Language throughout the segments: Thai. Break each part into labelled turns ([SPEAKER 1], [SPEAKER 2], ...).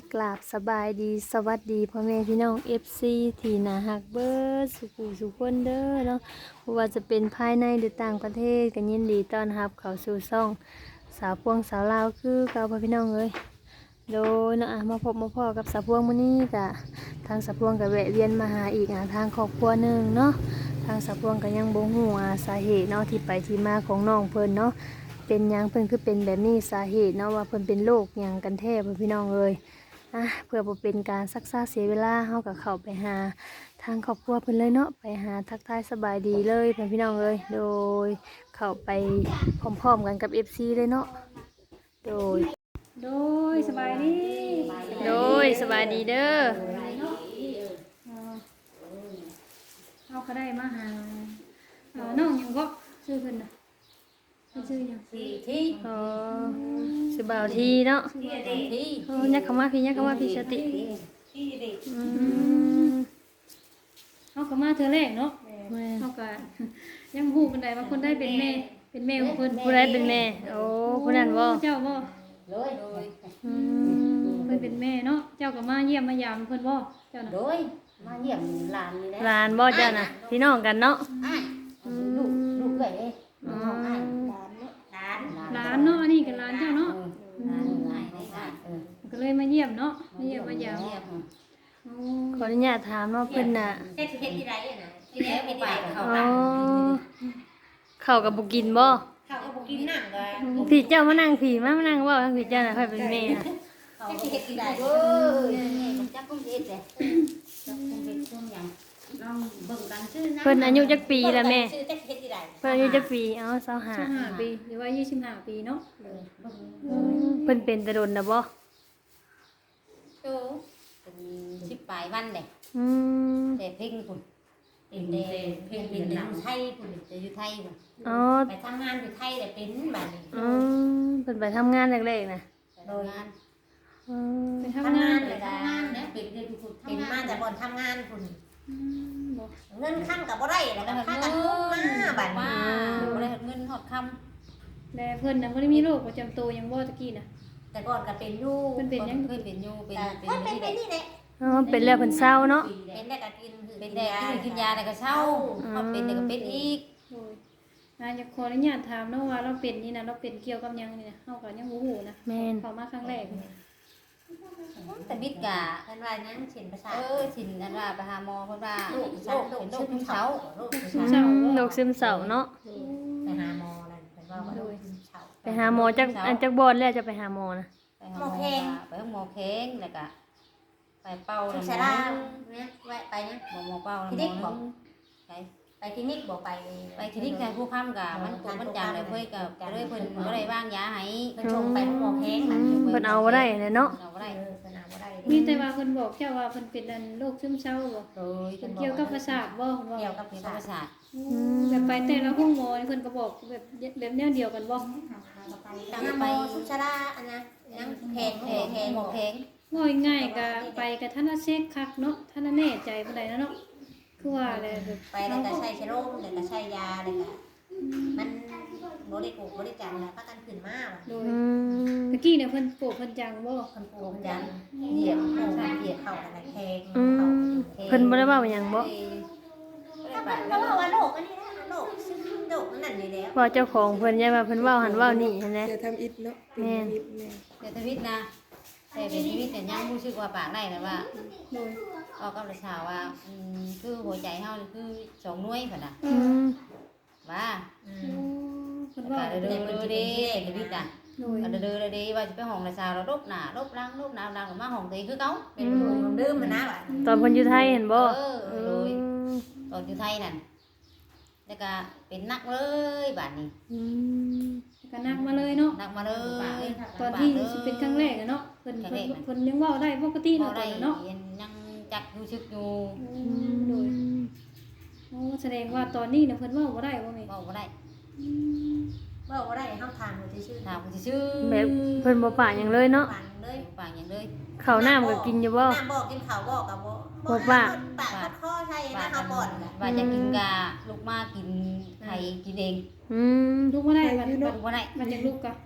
[SPEAKER 1] กราบสบายดีสวัสดีพ่อแม่พี่น้อง FC ที่น่าฮักเบิดสุขุสุขคนเด้อเนาะบ่ว่าจะเป็นภายในหรือต่างประเทศก็ยินดีต้อนรับเข้าสู่ช่องสาวพวงสาวลาวคือเก่าพ่อพี่น้องเอ้ยโดยเนาะมาพบมาพ่อกับสาวพวงมื้อนี้ก็ทางสาวพวงก็แวะเวียนมาหาอีกทางครอบครัวหนึงเนาะทางสาวพวงก็ยังบ่ฮู้สาเหตุเนาะที่ไปที่มาของน้องเพิ่นเนาะเป็นหยังเพิ่นคือเป็นแบบนี้สาเหตุเนาะว่าเพิ่นเป็นโรคหยังกันแท้พ่อพี่น้องเอ้ย เพื่อบ่เป็นการซักซ้าเสียเวลาเฮากับเข้าไปหาทางครอบครัวเพิ่นเลยเนาะไปหาทักทายสบายดีเลยเพื่อนพี่น้องเลยโดยเข้าไปพร้อมๆกันกับ FC เลยเนาะโดย
[SPEAKER 2] สบายดี
[SPEAKER 1] สบายดีเด้อ
[SPEAKER 2] เอาก็ได้มาหาน้องยังก็ชื่อเพิ่นน่ะชื่อยัง
[SPEAKER 1] อ๋อสิบ่าวทีเนาะยักเข้ามาพี่สติ
[SPEAKER 2] เขาก็มาเธอแรกเนาะเขาก็ยังฮู้ปานใดว่าคนได้เป็นแม่ของเพิ่น
[SPEAKER 1] ผู้ใดเป็นแม่โอ้ผู้นั้นบ่
[SPEAKER 2] เจ้าบ่เพิ่นเป็นแม่เนาะเจ้าก็มาเยี่ยมมายามเพิ่นบ่เจ้าน่ะ
[SPEAKER 3] โดยมาเยี่ยมหลานนี่แหละ
[SPEAKER 1] หลานบ่เจ้าน่ะพี่น้องกันเนาะ
[SPEAKER 3] อ้ายลูกเอ้ยน้องอ้าย
[SPEAKER 2] หลานเนาะอันนี้ก็หลานเจ้าเนาะ
[SPEAKER 3] หลานอ้าย
[SPEAKER 2] ก็เลยมาเยี่ยมเนาะมาเยี่ยมมายาม
[SPEAKER 1] ขออนุญาตถามเนาะเพิ่นน่ะ
[SPEAKER 3] เฮ็ดที่ไรน่ะที่แล้วไปเขา
[SPEAKER 1] อ๋อเข้ากับบ่กินบ่
[SPEAKER 3] เขาก็บ่กินน้ำก็
[SPEAKER 1] พี่เจ้ามานั่งผีมานั่งเว่าทั้งพี่เจ้าน่ะค่อยเป็นแม่น่ะ
[SPEAKER 3] เขาเฮ็ดที่ไรเอ้ยมันจักคงเฮ็ดเด้จักคงเฮ็ดช่วงหยังลองเบิ่งกันชื่อนะ
[SPEAKER 1] เพิ่นอายุจักปีละแม่
[SPEAKER 3] ชื่อจักเฮ็ดที่ไร
[SPEAKER 1] เพิ่นอายุจักปี
[SPEAKER 2] 25ปีหรือว่า25ปีเนาะ
[SPEAKER 1] เพิ่นเป็นแต่โดนน่ะบ่
[SPEAKER 3] โตเป็น10ปลายวันเด้
[SPEAKER 1] อืม
[SPEAKER 3] แต่เพ่งพุ่นเป็นเด้เพ่งเป็นอยู่ไทยพุ่นจะอยู่ไทยพุ่น
[SPEAKER 1] อ๋อ
[SPEAKER 3] ไปทำงานอยู่ไทยแต่เป็นบัดนี้
[SPEAKER 1] เพิ่นไปทำงานแรกๆน่ะ
[SPEAKER 3] โดยงาน
[SPEAKER 2] ไป
[SPEAKER 3] ทำงานเลยทำงานนะเป็นมาจากบ่อนทำงานพุ่นเงินคั่งกับบ่ได้แล้วก็ค่ากันมาบัดนี้บ่ได้เงินฮอดค่ำ
[SPEAKER 2] แล้วเพิ่นน่ะบ่ได้มีโรคประจำตัวหยังบ่ตะกี้น่ะ
[SPEAKER 3] แต่ก่อนก็เป็นอยู่
[SPEAKER 2] เพิ่นเป็นหยัง
[SPEAKER 3] เคยเป็นอยู่เป็นนี่แหละ
[SPEAKER 1] อ๋อเป็นแล้วเพิ่นเศร้าเนาะ
[SPEAKER 3] เป็นได้ก็กินเป็นได้กินยาได้ก็เศร้าพอเป็นได้ก็เป็นอีก
[SPEAKER 2] โอ้ยอยากขออนุญาตถามเนาะว่าเราเป็นนี่นะเราเป็นเกี่ยวกับหยังนี่นะเฮาก็ยังบ่ฮู้นะ
[SPEAKER 1] แม่น
[SPEAKER 2] เข้ามาครั้งแรก
[SPEAKER 3] แต่บิดกะเพิ่นว่าหยังฉินประสาทฉินอันว่าไปหาหมอเพิ่นว่าเป็นโรคซึมเศร้า
[SPEAKER 1] โรคซึมเศร้าเนาะ
[SPEAKER 3] ไปหาหมอนั่นเพิ่นว่าโรคซึมเศร้า
[SPEAKER 1] ไปหาหมอจักบ่อนแล้วจะไปหาหมอนะ
[SPEAKER 3] ไปหาหมอแข้งไปหาหมอแข้งแล้วก็ไปเป่าแล้วหมอเนี่ยแวะไปนะหมอเป่าแล้วหมอไปคลินิกบอกไปคลินิกแต่ผู้ค้ำกับมันตัวมันจางเลยเพื่อกับเลยเพิ่นก็ได้วางยาให้เพิ่นชงไปหมอแข้ง
[SPEAKER 1] เพิ่นเอาบ่ได้เนาะ
[SPEAKER 3] เอาบ่ได้เพิ่นเอาบ่ได้
[SPEAKER 2] มีแต่ว่าเพิ่นบอกเจ้าว่าเพิ่นเป็นอันโรคซึมเศร้าบ่
[SPEAKER 3] โดย
[SPEAKER 2] เกี่ยวกับประสาทบ่
[SPEAKER 3] เกี่ยวกับประสาท
[SPEAKER 2] แบบไปแต่ละห้องหมอเพิ่นก็บอกแบบแนวเดียวกันบ่
[SPEAKER 3] ตั้งไปสุชาดาอันนะยังแพงหมอแข้ง
[SPEAKER 2] ง่ายๆก็ไปกับท่านเช็คคักเนาะท่านแน่ใจปานใดเนาะคือว่าอะไรแบบ
[SPEAKER 3] ไปแล้วก็ใช้เชื้อโรคแล้วก็ใช้ยาแล้วก็มันบ่ได้ปลูกบ่ได้จังแล้วพากันขึ้นมา
[SPEAKER 2] โดยตะกี้เนี่ยเพิ่นปลูกเพิ่นจังบ่
[SPEAKER 3] เพิ่นปลูกจังเหยียบเข้าอะไรแข้ง
[SPEAKER 1] เพิ่นบ่ได้ว่าหยังบ่
[SPEAKER 3] ก็ว่าโรคอันนี้นะโรคซึ่งโรคนั่นนี่แล้ว
[SPEAKER 1] ว่าเจ้าของเพิ่นยังว่าเพิ่นเว้าหันเว้านี่หั่นแหละ
[SPEAKER 4] จะทำอิฐเนาะ
[SPEAKER 1] แม่น
[SPEAKER 3] เดี๋ยวทวิตนะแต่เป็นชีวิตแต่ยังรู้สึกว่าปากได้นะว่า
[SPEAKER 2] โดย
[SPEAKER 3] ออกกับประชาว่าคือหัวใจเฮาคือ2หน่วยพุ่นน่ะว่า
[SPEAKER 2] เพิ่นว่า
[SPEAKER 3] เด้อเด้ทวิตน่ะเด้อเด้ว่าสิไปห้องประชาเราลบหน้าลบหลังลบหน้าหลังมาห้องตัวคือเก่าเป็นลืมมันนะว่า
[SPEAKER 1] ตอนเพิ่นอยู่ไทยเห็นบ่
[SPEAKER 3] เลยตอนอยู่ไทยนั่นแล้วก็เป็นนักเลยบัดนี้
[SPEAKER 2] ก็นักมาเลยเนาะ
[SPEAKER 3] นักมาเลย
[SPEAKER 2] ตอนที่สิเป็นครั้งแรกเนาะเพิ่นยังเว้าได้ปกติเนาะเนาะ
[SPEAKER 3] ยังจักรู้สึกอยู่
[SPEAKER 2] โดยโอ้แสดงว่าตอนนี้เนี่ยเพิ่นเว้าบ่ได้บ่แม่
[SPEAKER 3] เว้าบ่ได้เว้าบ่ได้เฮาถามเพิ่นซื่อถามเพิ่นซื่อ
[SPEAKER 1] แบบเพิ่นบ่ปากหยังเลยเนาะ
[SPEAKER 3] ปากหยังเลย
[SPEAKER 1] ข้าวน้ำก็กินอยู่บ่
[SPEAKER 3] น้ำบ่กินข้าวบ่ก็บ่ปากคอใช่นะเฮาบ่อนว่าจะกินกะลูกมากินไข่กินเอง
[SPEAKER 2] ลูกบ่ได้บัด
[SPEAKER 3] บ่ได้
[SPEAKER 2] มันจะลูกกะ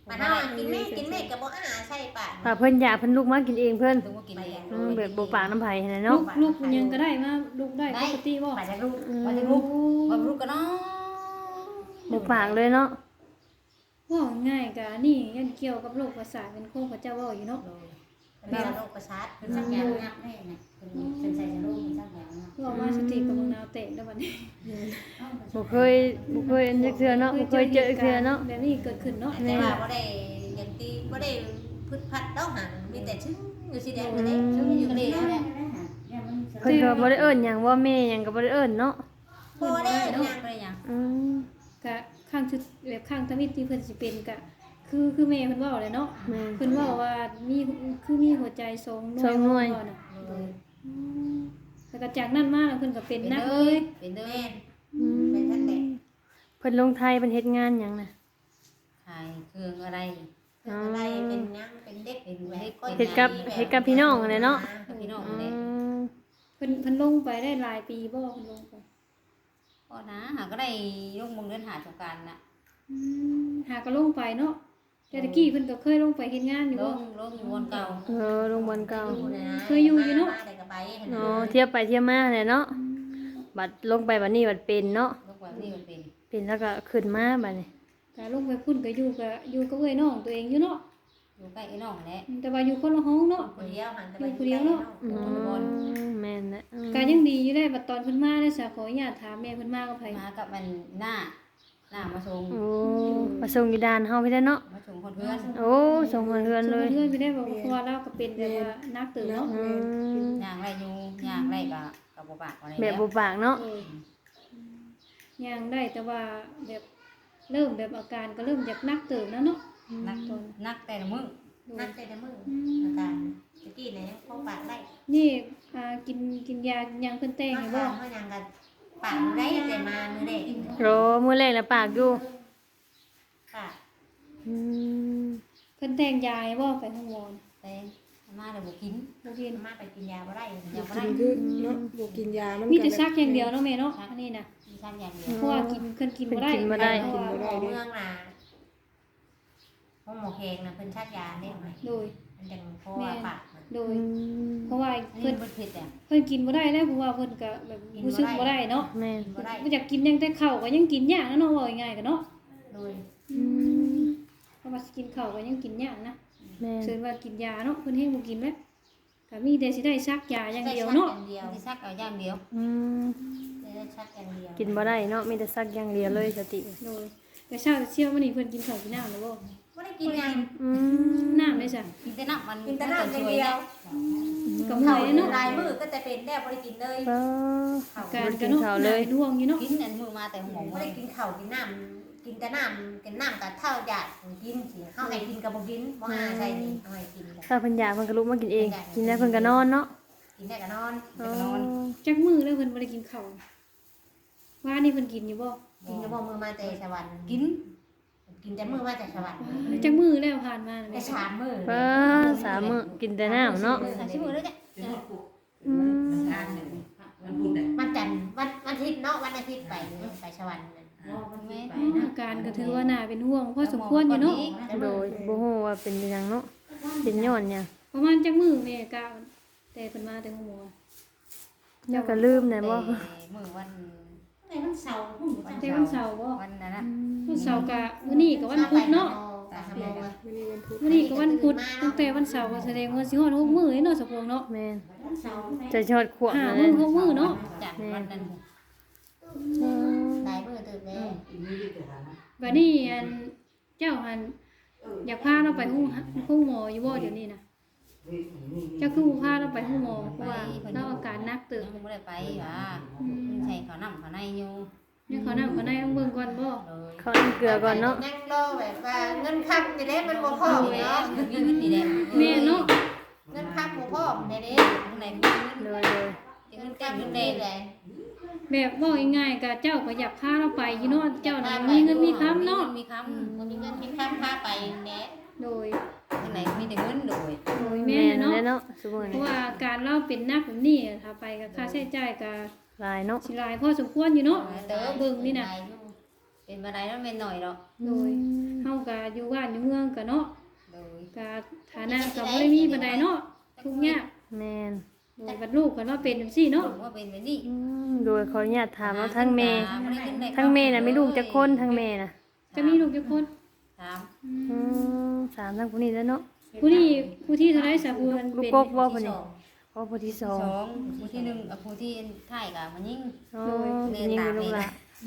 [SPEAKER 4] มาเฮากินแม่ก็บ่อาใช่ป่ะ
[SPEAKER 1] ถ้าเพิ่นอยากเพิ่นลุกมากินเองเพิ่น
[SPEAKER 3] ดูว่ากินเอง
[SPEAKER 1] แบบบ่ปากน้ำไผหั่นน่ะ
[SPEAKER 2] ลู
[SPEAKER 1] เนาะ
[SPEAKER 2] กลูกยังก็ได้มาลูกได้ปกติบ่
[SPEAKER 3] มาจากลูกมาจากลูกมาลูกกันเนาะ
[SPEAKER 1] บ่ปากเลยเนาะ
[SPEAKER 2] ว่าง่ายกะนี่ยันเกี่ยวกับโรคประสาทเป็นโคพระเจ้าเว้าอยู่เนาะ
[SPEAKER 4] เป็นโรคประสาท
[SPEAKER 3] เป็นสักอย่างงับแน่เนี่ยเป็นใส่ลูกเป็นสักอย่างงับ
[SPEAKER 2] ว่ามาสติกับมะนาวเตะแล้วบัดนี้
[SPEAKER 1] บ่เคยอันจักเทื่อเนาะบ่เคยเจอเทื่อเนาะ
[SPEAKER 2] แบบนี้เกิดขึ้นเนาะ
[SPEAKER 4] แต่ว่าบ่ได้อย่างที่บ่ได้พึดพัดดอกหันมีแต่ชื่ออยู่สิแดงกันเด้ชื่ออยู่นี่แหละ
[SPEAKER 1] เพิ่นก็บ่ได้เอิ้นหยังว่าแม่หยังก็บ่ได้เอิ้นเนาะ
[SPEAKER 4] บ่ได้
[SPEAKER 3] เนาะ
[SPEAKER 4] หยัง
[SPEAKER 3] อะไรอย่าง
[SPEAKER 1] อืม
[SPEAKER 2] กะข้างชุดแบบข้างทมิตที่เพิ่นสิเป็นกะคือแม่เพิ่นเว้าเลยเนาะ
[SPEAKER 1] แม่น
[SPEAKER 2] เพิ่นเว้าว่ามีมีหัวใจทรงหน่วย
[SPEAKER 1] สองหน่วย
[SPEAKER 2] เพิ่น่ะแล้วก็จากนั้นมาแล้วเพิ่นก็เป็นนักเลย
[SPEAKER 3] เป็นเด้อ
[SPEAKER 4] แม่น
[SPEAKER 1] อืม
[SPEAKER 4] เป็นทันแต่
[SPEAKER 1] เพิ่นลงไทยเพิ่นเฮ็ดงานหยังน่ะ
[SPEAKER 3] ขายเครื่องอะไร
[SPEAKER 4] อะไรเป็นหยังเป็นเด็กเป็นแม่ก็
[SPEAKER 1] เฮ็ดกับพี่น้องนั่นแหละเนาะ
[SPEAKER 3] กับพี่น้อง
[SPEAKER 1] อื
[SPEAKER 3] เลย
[SPEAKER 1] ม
[SPEAKER 2] เพิ่นลงไปได้หลายปีบ่เพิ่นลงไป
[SPEAKER 3] ก็นะหาก็ได้ลูกมงเดินหาสงการน่ะ
[SPEAKER 2] หาก็ลงไปเนาะแต่ตะกี้เพิ่นก็เคยลงไปเฮ็ดงานอยู่
[SPEAKER 3] ล
[SPEAKER 2] บ่
[SPEAKER 3] งอยู่วนเก่า
[SPEAKER 1] โรงพยาบาลเก่า
[SPEAKER 2] เคยอยู่อยู่เนาะ
[SPEAKER 4] แต่ก็ไป
[SPEAKER 1] อ๋อเทียบไปเทียบมาแหละเนาะบัดลงไปบัดนี้บัดเป็นเนาะ
[SPEAKER 3] ลูกแบบนี้มันเป็น
[SPEAKER 1] เป็นแล้วก็ขึ้นมาบัดนี้
[SPEAKER 2] ก็ลงไปพุ่นก็อยู่กับเอ้ยน้องตัวเองอยู่เนาะ
[SPEAKER 3] อยู่ใกล้ไอ้น้องแหละ
[SPEAKER 2] แต่ว่าอยู่คนละห้องเนาะ
[SPEAKER 4] คนเดียวหันไป
[SPEAKER 1] อืมแม่นแหละอืม
[SPEAKER 2] ก็ยังดีอยู่ได้บัดตอนเพิ่นมาได้สาขออนุญาตถามแม่เพิ่นมากับไผ
[SPEAKER 3] มากับมันหน้ามาชง
[SPEAKER 1] โอ้มาส่งอยู่ด่านเฮาพี่ได้เนาะ
[SPEAKER 3] มาชงคนเพื่อน
[SPEAKER 1] โอ้ส่งเฮือนๆเลย
[SPEAKER 2] เพื่อนไปได้บอกว่าเราก็เป็นแบบว่านักตื่นเนาะ
[SPEAKER 1] อืม
[SPEAKER 3] ย่างไรอยู่ย่างไรกับปากอะไร
[SPEAKER 1] แบบบ่ปากเนาะ
[SPEAKER 2] ยังได้แต่ว่าแบบเริ่มแบบอาการก็เริ่มจากนักตื่นแล้วเนาะ
[SPEAKER 3] นักแต่ละมือ
[SPEAKER 4] นักแต่ละมืออาการตะกี้เนี่ยพอปากได้
[SPEAKER 2] นี่กินยายังเพิ่นแต่ง
[SPEAKER 4] มา
[SPEAKER 2] อยู่
[SPEAKER 4] บ่
[SPEAKER 2] บ่
[SPEAKER 4] เขายังกันปากได้แต่มามือเด็ก
[SPEAKER 1] โรมื้อแรกแล้วปากอยู่
[SPEAKER 4] ปาก
[SPEAKER 1] อืม
[SPEAKER 2] เพิ่นแต่งยาให้บ่ไปห้องหมอ
[SPEAKER 3] แต่มาเดี๋ยวบุกิน
[SPEAKER 2] บ่กิน
[SPEAKER 4] มาไปกินยาบ่ได้
[SPEAKER 3] อย่า
[SPEAKER 5] กิ
[SPEAKER 3] ได้
[SPEAKER 5] นคือเนาะบ่กินยามัน
[SPEAKER 2] มีแต่ซักอย่างเดียวเนาะแม่เนาะอันนี้น่ะ
[SPEAKER 3] มีชั้นอย่างเดียว
[SPEAKER 2] เพราะว่ากินเพิ่นกินบ่ได้
[SPEAKER 1] กินบ่ได้
[SPEAKER 2] เพราะว่า
[SPEAKER 4] หมอเมืองน่ะห้องหมอแขงน่ะเพิ่นชักยาได้ไหม
[SPEAKER 2] โดย
[SPEAKER 4] มันจังเพราะว่าปากมัน
[SPEAKER 2] โด
[SPEAKER 1] อื
[SPEAKER 2] ย
[SPEAKER 1] ม
[SPEAKER 2] เพราะว่า
[SPEAKER 3] อันนี้
[SPEAKER 2] เพิ่น
[SPEAKER 3] มันเผ็ดอ่ะ
[SPEAKER 2] เพิ่นกินบ่ได้แล้วเพราะว่าเพิ่นก็แบบรู้สึกบ่ได้เนาะ
[SPEAKER 1] แม่น
[SPEAKER 4] กินบ่ได้
[SPEAKER 2] บ่อยากกินยังแต่ข้าวก็ยังกินยากนะเนาะว่าง่ายๆก็เนาะ
[SPEAKER 4] โดย
[SPEAKER 1] อืม
[SPEAKER 2] เพราะว่าสิกินข้าวก็ยังกินยากนะ
[SPEAKER 1] แม่น
[SPEAKER 2] เชิญว่ากินยาเนาะเพิ่นให้บ่กินแล้วก็มีแต่สิได้ซักยาอย่างเดียวเนาะ
[SPEAKER 4] เดียว
[SPEAKER 3] ที่ซักเอาอย่างเดียว
[SPEAKER 1] อืม
[SPEAKER 4] ได้ชักอย่างเดียว
[SPEAKER 1] กินบ่ได้เนาะมีแต่ซักอย่างเดียวเลยสติ
[SPEAKER 2] โดยแต่เช้าเชี่ยวมื้อนี้เพิ่นกินข้าวกินน้ำแล้วบ่
[SPEAKER 4] บ่ได้กินยัง
[SPEAKER 1] อืม
[SPEAKER 2] น้ำได้จ้ะ
[SPEAKER 3] กินแต่น้ำมัน
[SPEAKER 4] กินแต่น้ำอย่างเดียว
[SPEAKER 2] ก็เมื่
[SPEAKER 4] เขา
[SPEAKER 2] อยเนาะ
[SPEAKER 4] ลายมือก็จะเป็นแน่บ่ได้กินเลย
[SPEAKER 1] เออ
[SPEAKER 2] การ
[SPEAKER 1] กิ
[SPEAKER 2] ก็
[SPEAKER 1] น
[SPEAKER 2] เนาะ
[SPEAKER 1] ข้าวเลย
[SPEAKER 2] ดวงอยู่เนาะ
[SPEAKER 3] กินอันมือมาแต่หัว
[SPEAKER 4] บ่ได้กินข้าวกินน้ำกินแต่น้ำกินน้ำกับเท่าหยาดกินสิเฮาให้กินก็บ่กินบ่หาใส่นี่เฮาให้กินก็
[SPEAKER 1] ถ้าเพิ่นอยากเพิ่นก็ลุกมากินเอง กินแล้วเพิ่นก็นอนเนาะ
[SPEAKER 4] กินได้ก็นอน
[SPEAKER 1] อ๋อ
[SPEAKER 2] จักมื้อแล้วเพิ่นบ่ได้กินข้าวว่านี่เพิ่นกินอยู่บ่
[SPEAKER 4] กินก็บ่มือมาแต่สวรรค์
[SPEAKER 3] กิน
[SPEAKER 4] กินแต่มือมาแต่สวรรค์
[SPEAKER 2] จักมื้อแล้วผ่านมาน่ะ
[SPEAKER 4] แต่
[SPEAKER 2] แม่
[SPEAKER 4] 3มื้อ
[SPEAKER 1] เออสามมื้อกินแต่น้ำเนาะ
[SPEAKER 3] ใส่ชิ้นมือแล้วจ้ะ
[SPEAKER 1] อืม
[SPEAKER 4] วันจันทร์วันอาทิตย์เนาะวันอาทิตย์ไปสวรรค์นั่น
[SPEAKER 3] แม่
[SPEAKER 2] อาการก็ถือว่าน่าเป็นห่วงพอสมควรอยู่เนาะ
[SPEAKER 1] โดยบ่ฮู้ว่าเป็นอิหยังเนาะเป็นย้อนหยัง
[SPEAKER 2] ประมาณจักมื้อแม่กะแต่เพิ่นมาแต่ห้องหมอ
[SPEAKER 1] แล้วก็ลืมได้บ่
[SPEAKER 3] มือวัน
[SPEAKER 4] แต่วันเสาร์
[SPEAKER 2] แต่วันเสาร์บ่
[SPEAKER 3] วันนั้นนะ
[SPEAKER 2] วันเสาร์กะมื้อนี้ก็วันพุธเนาะ
[SPEAKER 5] มื้อนี้วันพุธ
[SPEAKER 2] มื้อนี้ก็วันพุธตั้งแต่วันเสาร์ก็แสดงว่าสิฮอด6มื้อเนาะสะพงเนาะ
[SPEAKER 1] แม่น
[SPEAKER 4] วันเสาร์
[SPEAKER 1] จะชอดขวบ
[SPEAKER 2] ห้า
[SPEAKER 1] นั่น
[SPEAKER 2] มื้
[SPEAKER 1] แห
[SPEAKER 2] อ
[SPEAKER 1] ละ
[SPEAKER 2] 6มื้อเนาะ
[SPEAKER 3] จัดวันนั้น
[SPEAKER 4] หลายมื้อตื่นแล้ว
[SPEAKER 2] บัดนี้อันเจ้าหันอยากพาเราไปห้องหมออยู่บ่เดี๋ยวนี้นะเจ้าคือบ่พาเราไปห้องหมอเพราะว่าเราอาการหนักเติบ
[SPEAKER 3] ไม่ได้ไปว่ะใส่ข้าวน้ำข้าวในอยู่
[SPEAKER 2] เนี่ยเขานั่งเขาในต้องเบิ่งก่อนบ่
[SPEAKER 3] เลย
[SPEAKER 1] เขาอันเกลือก่อนเนาะ
[SPEAKER 4] ยังรอแบบว่าเงินค้ำจะได้มันบ่พอเนาะ
[SPEAKER 3] มีเงินดีแดง
[SPEAKER 2] แม่เนาะ
[SPEAKER 4] เงินค้ำบ่พอเด้เด้
[SPEAKER 3] ข้างในมีเงิน
[SPEAKER 1] โดย
[SPEAKER 4] เงินค้ำเงินเด้เลย
[SPEAKER 2] แบบเว้าง่ายๆก็เจ้าก็อยากพาเราไปอยู่เนาะเจ้าน่ะมีเงินมีคำเนาะ
[SPEAKER 3] มีค
[SPEAKER 4] บ่มีเงินมีค้ำพาไปแหน่
[SPEAKER 2] โดย
[SPEAKER 3] ำข้างในมีแต่เงินโดย
[SPEAKER 2] แม่
[SPEAKER 1] แม่น
[SPEAKER 2] เนาะ
[SPEAKER 1] แหละเนาะซุมื้อ
[SPEAKER 2] เพ
[SPEAKER 1] นี้
[SPEAKER 2] ราะว่าการเราเป็นนักแบบนี้ถ้าไปก็ค่าใช้จ่ายก็
[SPEAKER 1] หลายเนาะ
[SPEAKER 2] สิหลายพอสมควรอยู่เนาะ
[SPEAKER 3] เติม
[SPEAKER 2] เบิ่งนี่น่ะ
[SPEAKER 3] เป็นบ่ได้แล้วแม่นหน่อยดอก
[SPEAKER 2] โดยเฮาก็อยู่บ้านอยู่เมืองก็เนาะ
[SPEAKER 3] โดย
[SPEAKER 2] ก็ฐานะก็บ่ได้มีปานใดเนาะทุกข์ยาก
[SPEAKER 1] แม่น
[SPEAKER 2] โดยบัดลูกก็เนาะเป็นจังซี่เนาะ
[SPEAKER 3] ว่าเป็นแบบนี้
[SPEAKER 1] โดยขออนุญาตถามว่าทั้งแม่ทั้งแม่น่ะมีลูกจักคนทั้งแม่น่ะ
[SPEAKER 2] จะมีลูกจักคน
[SPEAKER 3] ถาม
[SPEAKER 1] สามทั้งผู้นี้แล้วเนาะ
[SPEAKER 2] ผู้ที่เท่าไรสาผู้มัน
[SPEAKER 1] ลูก
[SPEAKER 2] เป็น
[SPEAKER 1] กบบ่ผู้นี้อ๋อผู้ที่สอง
[SPEAKER 3] สองผู้ที่หนึ่งกับผู้ที่ท้ายกับมันยิ่ง
[SPEAKER 1] อ๋อผู้นี้เป็นลูกหลาน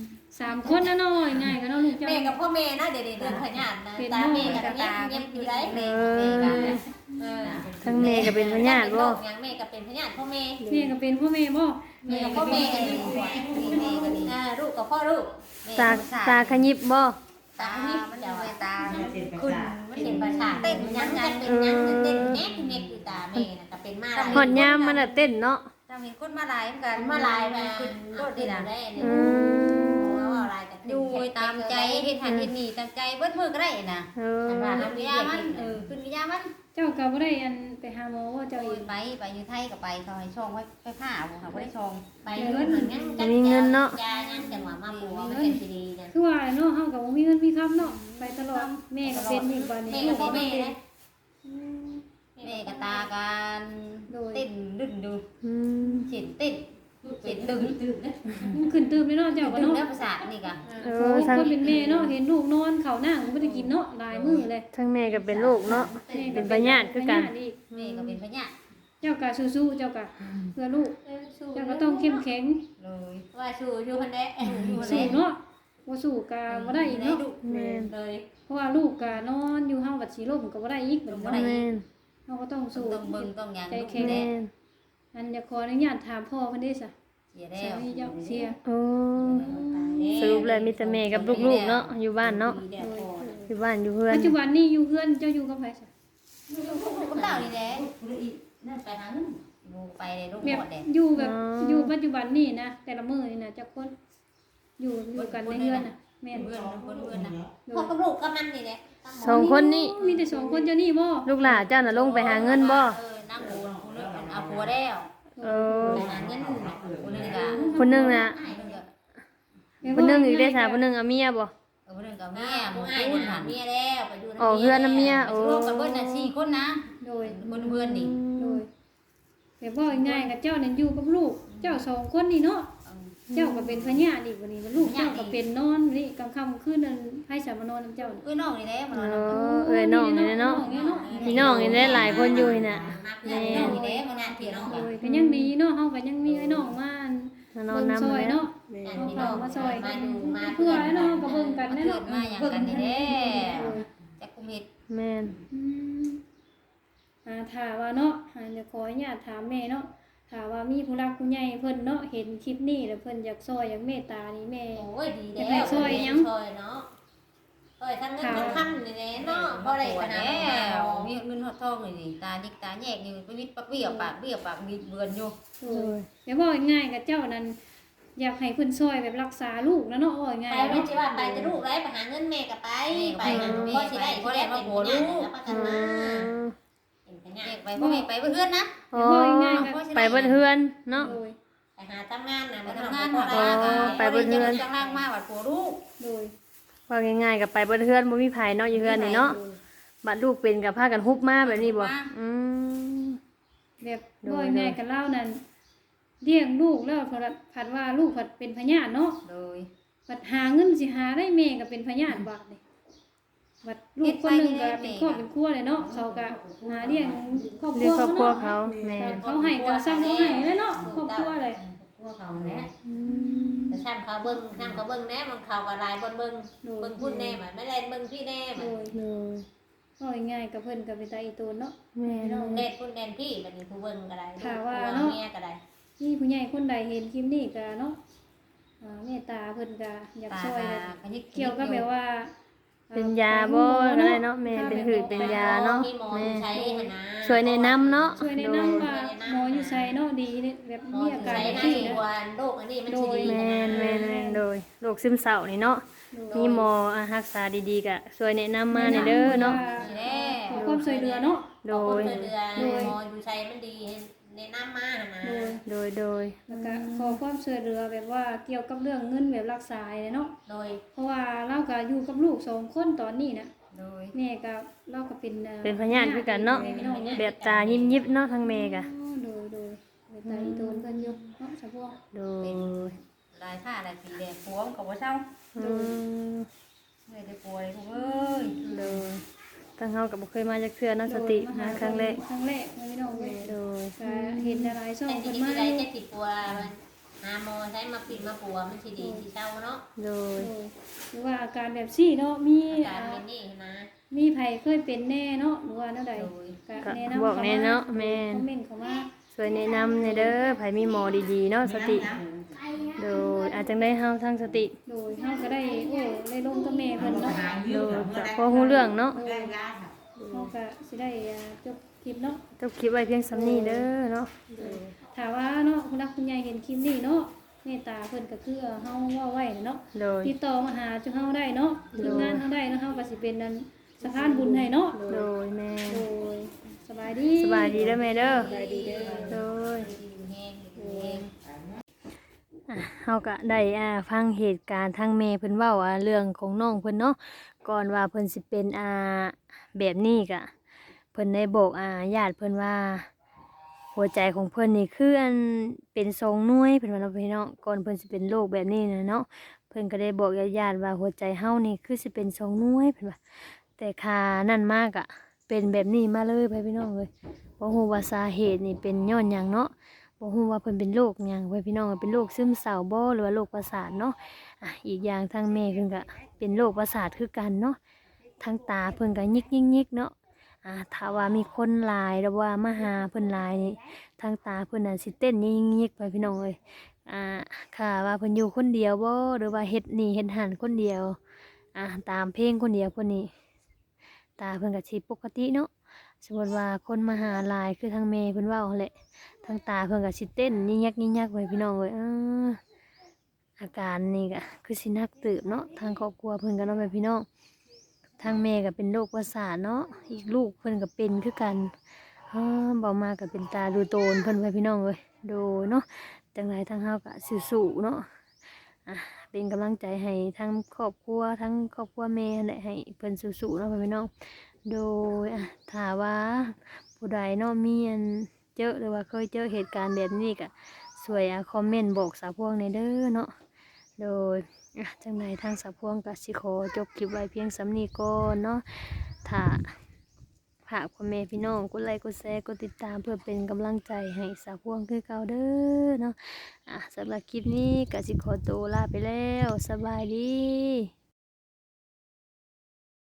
[SPEAKER 2] 3 คนนะเนาะง่ายๆก็เนาะลูกเจ้า
[SPEAKER 4] แม่กับพ่อแม่นะเดี๋ยวเรื่องขยันนะตาแม่กับเงียบอยู่ได้
[SPEAKER 3] แม่กัน
[SPEAKER 1] ทั้งแม่ก็เป็นพญาติบ่
[SPEAKER 4] ยังแม่กับเป็นพญาติพ่อแม่
[SPEAKER 2] แม่ก็เป็นพ่อแม่บ่
[SPEAKER 4] แม่กับพ่อแม่กันอยู่ลูกกับพ่อลูก
[SPEAKER 1] ตาขยิบบ่
[SPEAKER 4] ตานี่
[SPEAKER 3] มัน
[SPEAKER 4] เดี๋ยว
[SPEAKER 3] เป็นตา
[SPEAKER 4] คุณมันเห็นประสาทเต้นยังไงเป็นยังเต้นแง่เน็กอยู่ตาแม่น่ะก็เป็นมา
[SPEAKER 1] หอดยามมันน่ะเต้นเนาะ
[SPEAKER 3] จำเห็นคนมาหลายเหมือนกัน
[SPEAKER 4] มาลายมา
[SPEAKER 3] ขึ้น
[SPEAKER 4] ก็
[SPEAKER 3] รถ
[SPEAKER 4] ดี
[SPEAKER 3] นี่
[SPEAKER 4] นะ
[SPEAKER 3] นะ
[SPEAKER 4] ได้นี่
[SPEAKER 1] อืม
[SPEAKER 4] ว่าอะไรกัน
[SPEAKER 3] อยู่ตามใจเฮ็ดหันเฮ็ดนี่ตามใจเบิดมือก็ได้น่ะ
[SPEAKER 1] เออ
[SPEAKER 3] ขึ้นวิยามันขึ้นวิยามัน
[SPEAKER 2] เจ้าก็บ่ได้อันไปหาหมอว่าเจ้า
[SPEAKER 3] เจ้า
[SPEAKER 2] เอง
[SPEAKER 3] ไปอยู่ไทยก็ไปเขาให้ช่องไว้ไปผ้าบ่ค่ะบ่ได้ช่อง
[SPEAKER 4] ไปเงินเหมือนกันยายังจังหวะมาปัวมันเป็นสีดีนะ
[SPEAKER 2] คือว่าเนาะเฮาก็บ่มีเงินมีคำเนาะไปตลอดแม่ก็เป็นอีกบัด
[SPEAKER 4] แม่
[SPEAKER 2] นี้
[SPEAKER 4] กับพ่อแม่นะ
[SPEAKER 3] แม่ก็ตากันเต้นดึงดู
[SPEAKER 1] อืม
[SPEAKER 3] เห็นเต้นเห็นดึง
[SPEAKER 2] มันขึ้นตื่นเลยเนาะเจ้าก็
[SPEAKER 3] ดึง
[SPEAKER 2] เนาะ
[SPEAKER 3] แล้วประสาทนี่ก็
[SPEAKER 1] เอ
[SPEAKER 2] โอ้
[SPEAKER 1] อทั้ง
[SPEAKER 2] คนเป็นแม่เนาะเห็นลูกนอนข้าวหน้าก็บ่ได้กินเนาะหลายมื้อเลย
[SPEAKER 1] ทั้งแม่ก็เป็นลูกเนาะ เป็นพญาติคือกัน
[SPEAKER 2] พญาติอีก
[SPEAKER 3] แม่ก็เป็นพญา
[SPEAKER 2] เจ้าก็สู้ๆเจ้าก็เพื่อลูกเจ้าก็ต้องเข้มแข็ง
[SPEAKER 3] เลย
[SPEAKER 4] ว่าชูชูคนเด้
[SPEAKER 2] สู้เนาะบ่สู้ก็บ่ได้อีกเนาะ
[SPEAKER 1] แม่น
[SPEAKER 4] เลย
[SPEAKER 2] เพราะว่าลูกก็นอนอยู่เฮาบัดสิล้มก็บ่ได้อีกเหมือนกัน
[SPEAKER 1] แม่น
[SPEAKER 2] เฮาก็ต้องสู้
[SPEAKER 3] ต้องเบิ่งต้องหยัง
[SPEAKER 2] ใจ
[SPEAKER 3] ลูก
[SPEAKER 2] แข็ง
[SPEAKER 1] แม่น
[SPEAKER 2] อันจะขออนุญาตถามพ่อเพิ่นได้ซะ
[SPEAKER 3] เสียแล้
[SPEAKER 2] สาว มีเจ้าเสีย
[SPEAKER 1] โอ้สรุปแล้วมีแต่แม่กับลูกๆเนาะอยู่บ้านเนาะอยู่บ้านอยู่เพื่อน
[SPEAKER 2] ปัจจุบันนี้อยู่เพื่อนเจ้าอยู่กับไผซะ
[SPEAKER 3] กับเรานี่แหละ
[SPEAKER 4] นั่นไปหาเงิน
[SPEAKER 3] ลูกไปเลยลูก
[SPEAKER 2] แบ
[SPEAKER 3] ห
[SPEAKER 2] บ
[SPEAKER 3] มดแหละ
[SPEAKER 2] อยู่แบบอยู่ปัจจุบันนี่นะแต่ละมื้อนี่นะจักคนอยู่กันในเรือนน่ะแม่น
[SPEAKER 3] เพื่อนนะ
[SPEAKER 4] พ่อกับลูกกับมันนี่แหละ
[SPEAKER 1] สองคนนี้
[SPEAKER 2] มีแต่สองคนเจ้านี่บ่
[SPEAKER 1] ลูกหลานเจ้าน่ะลงไปหาเงินบ่
[SPEAKER 3] นั่งโอนคนนึงเอาผัวแล้ว
[SPEAKER 1] เออ
[SPEAKER 3] ไปหาเงินคนนึงก็
[SPEAKER 1] คนหนึงน่ะ คนหนึงอีกได้สา
[SPEAKER 2] ค
[SPEAKER 1] คนหนึงเอาเมียบ่
[SPEAKER 3] คนนึงกับแม่
[SPEAKER 4] ผู้
[SPEAKER 3] มึง
[SPEAKER 4] อ้าย
[SPEAKER 3] พูด
[SPEAKER 4] หา
[SPEAKER 3] หัน
[SPEAKER 4] เมียแล้วไปดู
[SPEAKER 1] อ๋อเพื่อนน้ำเมียโอ้
[SPEAKER 3] รวมกับเบิ้ลน่ะ4คนนะ
[SPEAKER 2] โดย
[SPEAKER 3] คนเพื่อนนี่
[SPEAKER 2] โดยแบบว่าง่ายๆกับเจ้านั่นอยู่กับลูก เจ้าสองคนนี่เนาะเจ้าก็เป็นพญาอีกวันนี้ลูกเจ้าก็เป็นนอนนี่กลางค่ำคืนนั้นให้สามานอนนำเจ้านี่
[SPEAKER 3] เอ้ยน้องนี่แหละมัน
[SPEAKER 1] เอน
[SPEAKER 3] อน
[SPEAKER 1] อเอ้ยน้องนี่เนาะพี่น้องนี่ได้หลายคนอยู่นี่น่ะ
[SPEAKER 4] แม่นี่แหละมันน่ะพี่น้อง
[SPEAKER 2] โดยก็ยังดีเนาะเฮาก็ยังมีไอ้น้องมา
[SPEAKER 1] มานอน
[SPEAKER 2] เบิ่ง
[SPEAKER 1] นำ
[SPEAKER 2] ซอย
[SPEAKER 1] แล้ว
[SPEAKER 2] เนาะ
[SPEAKER 5] แม่
[SPEAKER 2] เอาข้าวมาซอย
[SPEAKER 4] มาดูมา
[SPEAKER 2] เพื่อไอ้น้องก็เบิ่งกัน
[SPEAKER 3] มัน
[SPEAKER 2] แน่
[SPEAKER 3] เกิ
[SPEAKER 2] เนาะ
[SPEAKER 3] ดมาอย่างกันนี่แหละจักกุมเฮ็ด
[SPEAKER 1] แม่น
[SPEAKER 2] อืมถ้าว่าเนาะจะขออนุญาตถามแม่เนาะถ้าว่ามีผู้รักผู้ใหญ่เพิ่นเนาะเห็นคลิปนี้แล้วเพิ่นอยากซอยอยากเมตตานี่แม่
[SPEAKER 4] โอ้ยดีแล้วซอยเนาะซอยทั้งเงินทั้งคำนี่แหละเนาะบ่ได้ขนาด
[SPEAKER 3] แล้ว
[SPEAKER 4] นั้น
[SPEAKER 3] มีเงินฮอดทองนี่ตาดิกตาแยกอยู่ไปวิดปักเบี้ยวปากเบี้ยวปากมีเบือนอยู่
[SPEAKER 2] โอ้ยเดี๋ยวบอกง่ายๆกับเจ้านั้นอยากให้เพิ่นซอยแบบรักษาลูกนะเนาะว่าง่าย
[SPEAKER 4] ไป
[SPEAKER 2] ๆ
[SPEAKER 4] ไม่
[SPEAKER 2] เนาะ
[SPEAKER 4] ใช่ว่าไปจะลูกไรไปหาเงินแม่ก็ไปไปหาพ่อสิได้ที่แรกเป็นหัวลูกแล้วประกันมาเป็นพญา
[SPEAKER 3] แยกไปบ่ให้ไปเพื่อนนะ
[SPEAKER 1] โอ้ไปเบิดเฮือนเนาะ
[SPEAKER 2] โดย
[SPEAKER 4] ไปหาทำงานนะ
[SPEAKER 3] ไป
[SPEAKER 4] มัน
[SPEAKER 3] ทำงา
[SPEAKER 4] ทำาน น
[SPEAKER 3] หา
[SPEAKER 4] หา
[SPEAKER 3] ปลา
[SPEAKER 1] ไปเบิ่งเฮือน
[SPEAKER 3] จังล่างมาวัดผัวลูก
[SPEAKER 2] โดย
[SPEAKER 1] ว่าง่ายๆก็ไปเบิดเฮือนบ่มีไผเนาะอยู่เฮือนนี่เนาะบัดลูกเป็นก็พากันฮุบมาแบบนี้บ่อืม
[SPEAKER 2] แบบบอกง่ายๆกับเล่านั้นเลี้ยงลูกแล้วผัดว่าลูกผัดเป็นพญาติเนาะ
[SPEAKER 3] โดย
[SPEAKER 2] ผัดหาเงินสิหาได้แม่ก็เป็นพญาติบาดนี่บัดลูกคนหนึงก็เป็นครอบเป็นครัวเลยเนาะเขาก็หาเลี้ยงครอบค
[SPEAKER 1] เรี
[SPEAKER 2] รั
[SPEAKER 1] ยก
[SPEAKER 2] ว
[SPEAKER 1] ครอบครัว
[SPEAKER 2] เนาะ
[SPEAKER 1] เขาแม่น
[SPEAKER 2] เขาให้ก็ซ้ำเขาให้แล้วเนาะครอบครัวเลย
[SPEAKER 4] พวกเขาเนี่ยแต่ซ้ำเขาเบิ้งซ้ำเขาเบิ้งแน่มันเขาก็ลายบนเบิ้งเบิ้งพูดแน่มันไม่ได้เบิ้งพี่แน่มั
[SPEAKER 2] โด
[SPEAKER 4] น
[SPEAKER 2] ย
[SPEAKER 1] โดย
[SPEAKER 2] ก็ง่ายๆกับเพิ่นก็เป็นตาอีโตนเนาะ
[SPEAKER 1] แม่น
[SPEAKER 4] เน็ตพูดแน่พี่มันผู้เบิ้งก็ได้เมียก็ได้
[SPEAKER 2] นี่ผู้ใหญ่คนใดเห็นคลิปนี้ก็เนาะเมตตาเพิ่นก็อยาก
[SPEAKER 3] ตา
[SPEAKER 2] ช่วย
[SPEAKER 3] ตาขยิก
[SPEAKER 2] เกี่ยวกับแบบว่า
[SPEAKER 1] เป็นยาบ่ก็ได้เนาะแม่เป็นหืดเป็นยาเนาะ
[SPEAKER 4] มีหมอ
[SPEAKER 1] แม่
[SPEAKER 4] ใช้หนา
[SPEAKER 1] ช่วยแนะนำเนาะ
[SPEAKER 2] ช่วยแนะนำว่าหมออยู่ไสเนาะดีเนี่ยแบบ
[SPEAKER 4] หมอ
[SPEAKER 2] มีอาการ
[SPEAKER 4] ใช้
[SPEAKER 2] แบบ
[SPEAKER 4] หน้า
[SPEAKER 2] นี้
[SPEAKER 4] ที่
[SPEAKER 2] นะ
[SPEAKER 4] วันโรคอันนี้มันสิดี
[SPEAKER 1] แม่นแม่นแม่นโดยโรคซึมเศร้านี่เนาะมีหมอรักษาดีๆก็ช่วยแนะนำมาในเด้อเนาะ
[SPEAKER 3] แน่
[SPEAKER 2] ขอความช่วยเหลือเนาะ
[SPEAKER 1] โด
[SPEAKER 4] โด
[SPEAKER 1] ย
[SPEAKER 4] ยเดือนหมออยู่ใช้มันดีแนะนำมานะ
[SPEAKER 2] โดย
[SPEAKER 1] โดย
[SPEAKER 2] แล้วก็ขอความช่วยเหลือแบบว่าเกี่ยวกับเรื่องเงินแบบรักษาเลยเนาะ
[SPEAKER 4] โดย
[SPEAKER 2] เพราะว่าเราก็อยู่กับลูก2คนตอนนี้นะ
[SPEAKER 3] โดย
[SPEAKER 2] แม่ก็เราก็เป็น
[SPEAKER 1] เป็นพยานคือกันเนาะ
[SPEAKER 2] พี่น้องเนาะ
[SPEAKER 1] แบบตายิ้มยิบเนาะทั้งแม่กะ
[SPEAKER 2] โดยตาอีโตนเพิ่นอยู่เนาะสะพวก
[SPEAKER 1] โดย
[SPEAKER 3] เป็นลายผ้าลายสีแดงพวงกับว่าเช่า
[SPEAKER 1] อืม
[SPEAKER 3] เลยได้ป่วยทุกเอ้ย
[SPEAKER 1] โดยตั้งเฮากับบ่เคยมาจากเทื่อเนาะสติมาครั้งแรก
[SPEAKER 2] ครั้งแรกนะพี่น้องเว้ย
[SPEAKER 1] โดย
[SPEAKER 2] ก็เห็นหลายๆช่อง
[SPEAKER 4] แต่
[SPEAKER 2] เพิ่น
[SPEAKER 4] ที่
[SPEAKER 2] มา
[SPEAKER 4] ได้
[SPEAKER 2] อยู่
[SPEAKER 4] จะติดปัวมันหาหมอใช้มาปิดมาปัวมันสิดีสิเศร้าเนาะ
[SPEAKER 1] โดย
[SPEAKER 2] หรือว่าอาการแบบซี่เนาะมี
[SPEAKER 4] อาการเป็นนี่นะ
[SPEAKER 2] มีไผเคยเป็นแน่เนาะหรือว่าแนวใดก็
[SPEAKER 1] ก็
[SPEAKER 2] แนะนำ
[SPEAKER 1] บอกแน่เนาะแม่น
[SPEAKER 2] คอมเมนต์เข้ามา
[SPEAKER 1] ช่วยแนะนำในอยเด้อไผมีหมอดีๆเนาะสติ โดยอาจจังได้เฮาทั้งสติ
[SPEAKER 2] โดยเฮาก็ได้ได้ลงกับแม่เพิ่นเนาะ
[SPEAKER 1] โดยก็พอฮู้เรื่องเนาะ
[SPEAKER 2] เฮาก็สิได้จบคลิปเนาะ
[SPEAKER 1] จบคลิปไว้เพียงสำนี้เด้อเนาะ
[SPEAKER 2] ถ้าว่าเนาะคุณรักคุณยายเห็นคลิปนี้เนาะเมตตาเพิ่นก็คือเฮาเว้าไว้เนาะ
[SPEAKER 1] โดย
[SPEAKER 2] ติดต่อมาหาจุเฮาได้เนาะทีมงานเฮาได้เนาะเฮาก็สิเป็นนั่นสะพานบุญให้เนาะ
[SPEAKER 1] โดยแม่
[SPEAKER 2] โดยสบายดี
[SPEAKER 1] สบายดีเด้อแม่เด้อโดย
[SPEAKER 4] แห้งแห้ง
[SPEAKER 1] เฮาก็ได้ฟังเหตุการณ์ทางแม่เพิ่นเว้าเรื่องของน้องเพิ่นเนาะก่อนว่าเพิ่นสิเป็นแบบนี้ก็เพิ่นได้บอกญาติเพิ่นว่า หัวใจของเพิ่นนี่คือเป็นทรงหน่วยเพิ่นว่าเนาะพี่น้องก่อนเพิ่นสิเป็นโรคแบบนี้น่ะเนาะเพิ่นก็ได้บอกญาติๆว่าหัวใจเฮานี่คือสิเป็นทรงหน่วยเพิ่นว่าแต่ค่านั่นมากเป็นแบบนี้มาเลยพี่น้องเอ้ยบ่ฮู้ว่าสาเหตุนี่เป็นย้อนหยังเนาะบ่ฮู้ว่าเพิ่นเป็นโรคหยังพี่น้องเป็นโรคซึมเศร้าบ่หรือว่าโรคประสาทเนาะอีกอย่างทางแม่เพิ่นก็เป็นโรคประสาทคือกันเนาะทางตาเพิ่นก็ยิกๆๆเนาะถ้าว่ามีคนหลายหรือว่ามาหาเพิ่นหลายนี่ทางตาเพิ่นน่ะสิเต้นยิกๆไปพี่น้องเอ้ยค่ะว่าเพิ่นอยู่คนเดียวบ่หรือว่าเฮ็ดนี่เฮ็ดหันคนเดียวตามเพลงคนเดียวเพิ่นนี่ตาเพิ่นก็สิปกติเนาะสมมุติว่าคนมาหาหลายคือทางแม่เพิ่นเว้าหั่นแหละทางตาเพิ่นก็สิเต้นยิกๆไปพี่น้องเอ้ยอาการนี่ก็คือสิหนักเติบเนาะทางครอบครัวเพิ่นก็เนาะแม่พี่น้องทางแม่ก็เป็นโรคประสาทเนาะอีกลูกเพิ่นก็เป็นคือกันบ่มาก็เป็นตาดูโตนเพิ่นไว้พี่น้องเอ้ยโดยเนาะจังไรทางเฮาก็สู้ๆเนาะเป็นกำลังใจให้ทั้งครอบครัวทั้งครอบครัวแม่และให้เพิ่นสู้ๆเนาะพี่น้องโดยถ้าว่าผู้ใดเนาะมีเจอหรือว่าเคยเจอเหตุการณ์แบบนี้ก็ช่วยคอมเมนต์บอกสาวพวงในเด้อเนาะโดยจังไรทางสาวพวงก็สิขอจบคลิปไว้เพียงสำนี้ก่อนเนาะถ้าฝากพ่อแม่พี่น้องกดไลค์กดแชร์กดติดตามเพื่อเป็นกำลังใจให้สาวพวงคือเก่าเด้อเนาะสำหรับคลิปนี้ก็สิขอตัวลาไปแล้วสบายดี